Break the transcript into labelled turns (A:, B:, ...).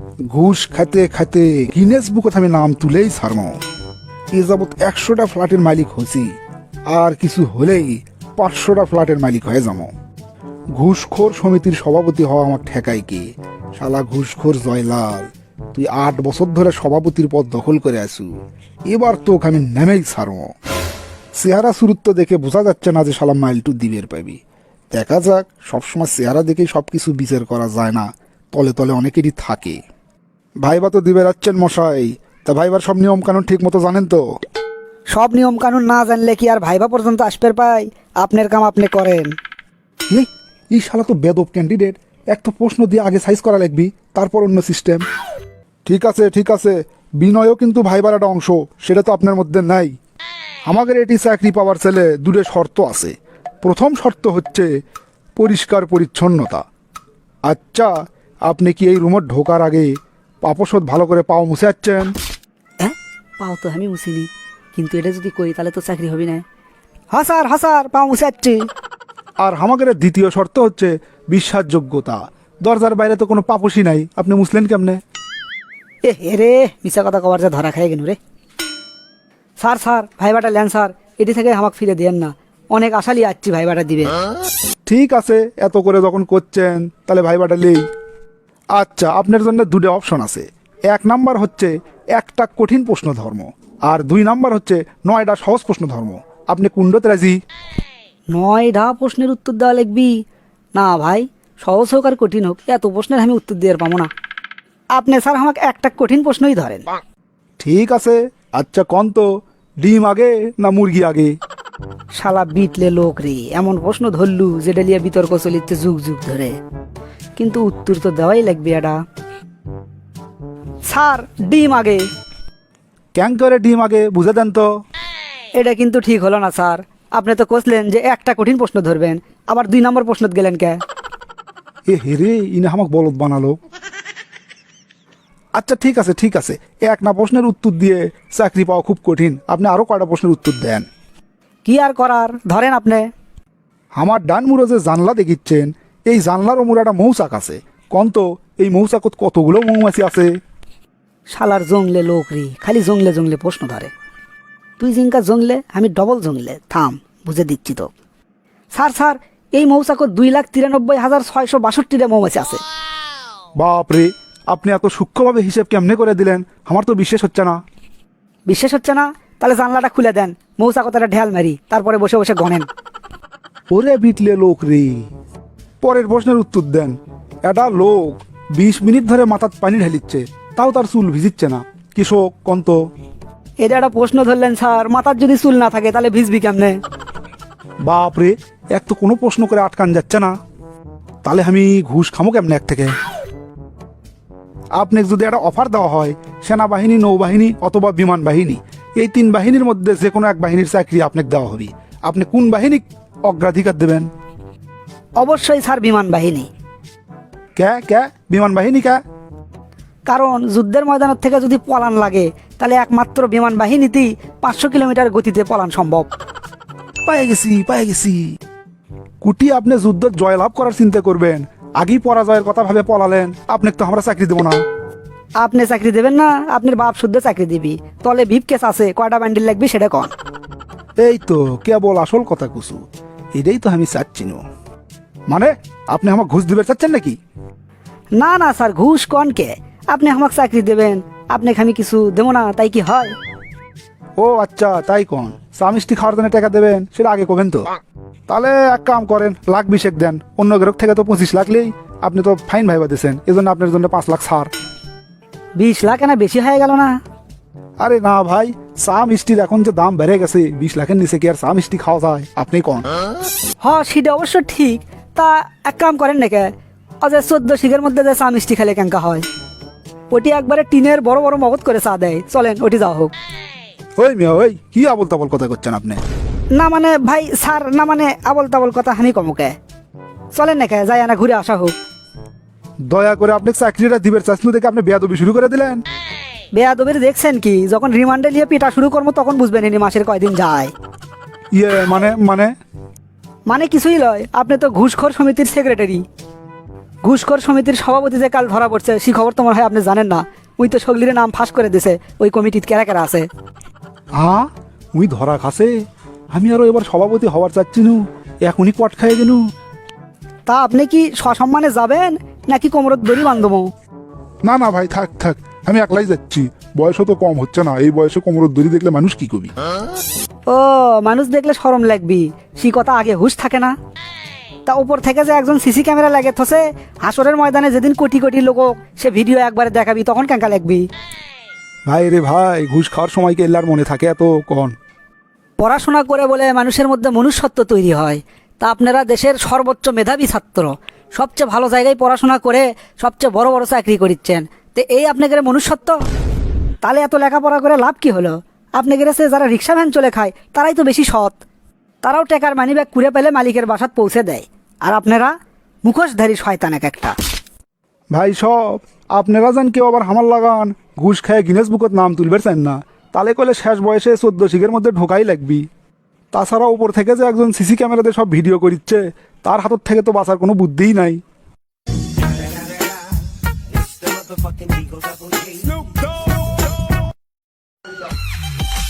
A: ঘুষ খাইতে খাইতে গিনেস বুকত আমি নাম তুলেই ছাড়মো। এ যাবৎ 100টা ফ্ল্যাটের মালিক হয়েছি, আর কিছু হলেই 500টা ফ্ল্যাটের মালিক হয়ে যাবো। ঘুষখোর সমিতির সভাপতি হওয়া আমার ঠেকাই কি? শালা ঘুষখোর জয়লাল, তুই 8 বছর ধরে সভাপতির পদ দখল করে আসু, এবার তোকে আমি নেমেই ছাড়বো। চেহারা সুরুত্ব দেখে বোঝা যাচ্ছে না যে শালা মাইলটু দিবের পাবি। দেখা যাক, সবসময় চেহারা দেখেই সবকিছু বিচার করা যায় না, তলে তলে অনেকেরই থাকে। ভাইবা তো দিবে যাচ্ছেন মশাই, তা ভাইবার সব নিয়ম কানুন ঠিক মতো জানেন তো?
B: সব নিয়ম কানুন না জানলে কি আর ভাইবা পর্যন্ত আসতে পাই? আপনার কাম আপনি করেন।
A: এই শালা তো বেদব ক্যান্ডিডেট, এক তো প্রশ্ন দিয়ে আগে সাইজ করা লাগবি, তারপর অন্য সিস্টেম। ঠিক আছে ঠিক আছে, বিনয়ও কিন্তু ভাইবার একটা অংশ, সেটা তো আপনার মধ্যে নাই। আমাদের এটি চাকরি পাওয়ার ছেলে দূরে শর্ত আছে। প্রথম শর্ত হচ্ছে পরিষ্কার পরিচ্ছন্নতা। আচ্ছা, আপনি কি এই রুমে ঢোকার আগে পাপোশোধ ভালো করে পাও মুছে যাচ্ছেন?
B: হ্যাঁ, পাও তো আমি মুছিনি, কিন্তু এটা যদি করি তাহলে তো চাকরি হবে না। হ্যাঁ স্যার, পাও মুছে যাচ্ছি।
A: আর আমাদের দ্বিতীয় শর্ত হচ্ছে বিশ্বাসযোগ্যতা। দরজার বাইরে তো কোনো পাপোশই নাই, আপনি মুছলেন কেমনে?
B: রে মিশা কথা কবার যা ধরা খাই গেল রে। স্যার ভাইবাটা লেন স্যার, এটি থেকে আমাকে ফিরে দেন না, অনেক আশা লিয়ে আসছি ভাইবাটা দিবে।
A: ঠিক আছে, এত করে যখন করছেন তাহলে ভাইবাটা লেই। আচ্ছা, আপনার জন্য 2টা অপশন আছে। 1 নাম্বার হচ্ছে 1টা কঠিন প্রশ্ন ধর্ম, আর 2 নাম্বার হচ্ছে 9টা সহজ প্রশ্ন ধর্ম। আপনি কুণ্ডতে রাজি?
B: 9টা প্রশ্নের উত্তর দেওয়া লিখবি? না ভাই, সহজ হোক আর কঠিন হোক, এত প্রশ্নের আমি উত্তর দিয়ে পাবো না। আপনি স্যার আমাকে একটা কঠিন প্রশ্নই ধরেন।
A: ঠিক আছে, আচ্ছা কন তো, ডিম আগে না মুরগি আগে?
B: শালা বিটলে লোক রে, এমন প্রশ্ন ধরলু যেটা লিয়ে বিতর্ক চলিচ্ছে যুগ যুগ ধরে, কিন্তু উত্তর তো দেওয়াই লাগবে। এটা স্যার ডিম আগে।
A: ক্যাং করে ডিম আগে বুঝে দেন তো।
B: এটা কিন্তু ঠিক হলো না স্যার, আপনি তো কইলেন যে একটা কঠিন প্রশ্ন ধরবেন, আবার 2 নম্বর প্রশ্ন গেলেন কে?
A: হেরে, ইনে আমাকে বলদ বানালো। আচ্ছা ঠিক আছে ঠিক আছে, 1 না প্রশ্নের উত্তর দিয়ে চাকরি পাওয়া খুব কঠিন, আপনি আরো কয়টা প্রশ্নের উত্তর দেন।
B: কি আর করার, ধরেন আপনি।
A: আমার ডান মুড়ো যে জানলা দেখিচ্ছেন, এই জানলার ওমর একটা মৌচাক আছে। কন তো, এই মৌচাকত কতগুলো মৌমাছি আছে?
B: শালার জংলে লোক রে, খালি জংলে জংলে প্রশ্ন ধরে। তুই জিঙ্কা জংলে, আমি ডবল জংলে। থাম, বুঝে দিচ্ছি তো। স্যার এই মৌচাকত 2,93,662টা মৌমাছি আছে।
A: বাপরে, আপনি এত সূক্ষ্মভাবে হিসেব কেমনে করে দিলেন, আমার তো বিশ্বাস হচ্ছে না।
B: বিশ্বাস হচ্ছে না? তাহলে জানলাটা খুলে দেন, মৌচাকতাটা ঢেল মারি, তারপরে বসে বসে গণেন।
A: ওরে বিটলে লোক রে। পরের প্রশ্নের উত্তর দেন। একটা লোক 20 মিনিট ধরে মাথার পানি ঢালিচ্ছে, তাও তার চুল ভিজিচ্ছে না। কৃষক কন্ত।
B: এটা একটা প্রশ্ন ধরলেন স্যার, মাথার যদি চুল না থাকে তাহলে ভিজবি কেমনে?
A: বাপরে, এক তো কোনো প্রশ্ন করে আটকান যাচ্ছে না, তাহলে আমি ঘুষ খামো কেমনে এক থেকে? আপনাকে যদি একটা অফার দেওয়া হয়, সেনাবাহিনী, নৌবাহিনী অথবা বিমান বাহিনী, এই 3 বাহিনীর মধ্যে যে কোনো এক বাহিনীর চাকরি আপনাকে দেওয়া হবে, আপনি কোন বাহিনী অগ্রাধিকার দেবেন?
B: অবশ্যই স্যার বিমান বাহিনী।
A: কে বিমান বাহিনী কে?
B: কারণ যুদ্ধের ময়দানের থেকে যদি পলান লাগে, তাহলে একমাত্র বিমান বাহিনীতেই 500 কিলোমিটার গতিতে পলান সম্ভব।
A: পায়ে গেছি। কুটি, আপনি যুদ্ধ জয়লাভ করার চিন্তা করবেন, আগেই পরাজয়ের কথা ভাবে পলালেন, আপনাকে তো আমরা চাকরি দেবো না।
B: আপনি চাকরি দেবেন না? আপনার বাপ শুদ্ধ চাকরি দিবি। তলে ভিপ কেস আছে, কয়টা ব্যান্ডেল লাগবে সেটা কন।
A: এই তো কেবল আসল কথা কুসু, এটাই তো আমি চাচ্ছি না। মানে আপনি আমার ঘুষ দিবে চাচ্ছেন নাকি?
B: না স্যার, ঘুষ কন কে? আপনি আমাকে চাকরি দেবেন, আপনাকে আমি কিছু দেবো না, তাই কি হয়?
A: ও আচ্ছা, তাই কোন চা মিষ্টি খাওয়ার জন্য টাকা দেবেন, সেটা আগে কবেন তো। তাহলে এক কাম করেন, 1,20,000 দেন। অন্য গ্রাহক থেকে তো 25 লাখ লেই, আপনি তো ফাইন ভাইবা দিয়েছেন, এই জন্য আপনার জন্য 5 লাখ ছাড়।
B: 20 লাখ না বেশি হয়ে গেল না?
A: আরে না ভাই, চা মিষ্টির এখন যে দাম বেড়ে গেছে, 20 লাখের নিচে কি আর চা মিষ্টি খাওয়া যায়? আপনি কোন।
B: সেটা অবশ্য ঠিক। তা এক কাম করেন নাকি, অজে 14 শিখের মধ্যে যে চা মিষ্টি খেলে কেঙ্কা হয়, ওটি একবারে টিনের বড় বড় মগজ করে চা দেয়, চলেন ওটি যাওয়া হোক।
A: ওই মিয়া, ওই কি আবল তাবল কথা করছেন আপনি?
B: না মানে ভাই স্যার, না মানে আবল তাবল কথা আমি কমকে। চলেন নাকি যাই না, ঘুরে আসা হোক।
A: দয়া করে আপনি চাকরিটা দিবের চাচ্ছিল দেখে আপনি বেয়াদবি শুরু করে দিলেন।
B: বেয়াদবির দেখছেন কি? যখন রিমান্ডে নিয়ে পিটা শুরু করবো তখন বুঝবেন ইনি মাসের কয়দিন যায়।
A: মানে মানে
B: মানে কিছুই লয়, আপনি তো ঘুষখোর সমিতির সেক্রেটারি। ঘুষখোর সমিতির সভাপতি যে কাল ধরা পড়ছে সেই খবর তোমার হয় আপনি জানেন না। ওই তো সগলিরে নাম ফাঁস করে দিছে ওই কমিটির কেরা কেরা আছে।
A: মুই ধরা খাসে? আমি আরো এবার সভাপতি হওয়ার চাচ্ছি নু, এখনই পট খাইয়ে গেনু।
B: তা আপনি কি সসম্মানে যাবেন নাকি কোমরত দড়ি বান্ধবো?
C: না না ভাই, থাক থাক, আমি একলাই যাচ্ছি। বয়সও তো কম হচ্ছে না, এই বয়সে কোমরের দড়ি দেখলে মানুষ কি কবি।
B: ও মানুষ দেখলে শরম লাগবি, সেই কথা আগে হুঁশ থাকে না? তা উপর থেকে যে একজন সিসি ক্যামেরা লাগে থসে, হাসরের ময়দানে যেদিন কোটি কোটি লোক সে ভিডিও একবারে দেখাবি তখন কেঙ্কা লাগবি?
A: ভাই রে ভাই, ঘুষ খাওয়ার সময় কে এল্লার মনে থাকে এত কন?
B: পড়াশোনা করে বলে মানুষের মধ্যে মনুষ্যত্ব তৈরি হয়। তা আপনারা দেশের সর্বোচ্চ মেধাবী ছাত্র, সবচেয়ে ভালো জায়গায় পড়াশোনা করে সবচেয়ে বড় বড় চাকরি করিচ্ছেন, তো এই আপনাদের মনুষ্যত্ব? তাহলে এত লেখাপড়া করে লাভ কি হলো? আপনাদের সে যারা রিক্সা ভ্যান চলে খায় তারাই তো বেশি সৎ। তারাও টেকার মানি ব্যাগ কুড়ে পেলে মালিকের বাসাত পৌঁছে দেয়, আর আপনারা মুখোশধারী শয়তান এক একটা।
A: ভাই সব আপনারা যান কেউ আবার হামার লাগান ঘুষ খায় গিনেস বুকত নাম তুলবের চান না, তাহলে কলে শেষ বয়সে 14 শিখের মধ্যে ঢোকাই লাগবি। তাছাড়া উপর থেকে যে একজন সিসি ক্যামেরাতে সব ভিডিও করিচ্ছে, তার হাতর থেকে তো বাঁচার কোনো বুদ্ধিই নাই।
D: It's the motherfucking Eagle Double G. Snoop Dogg.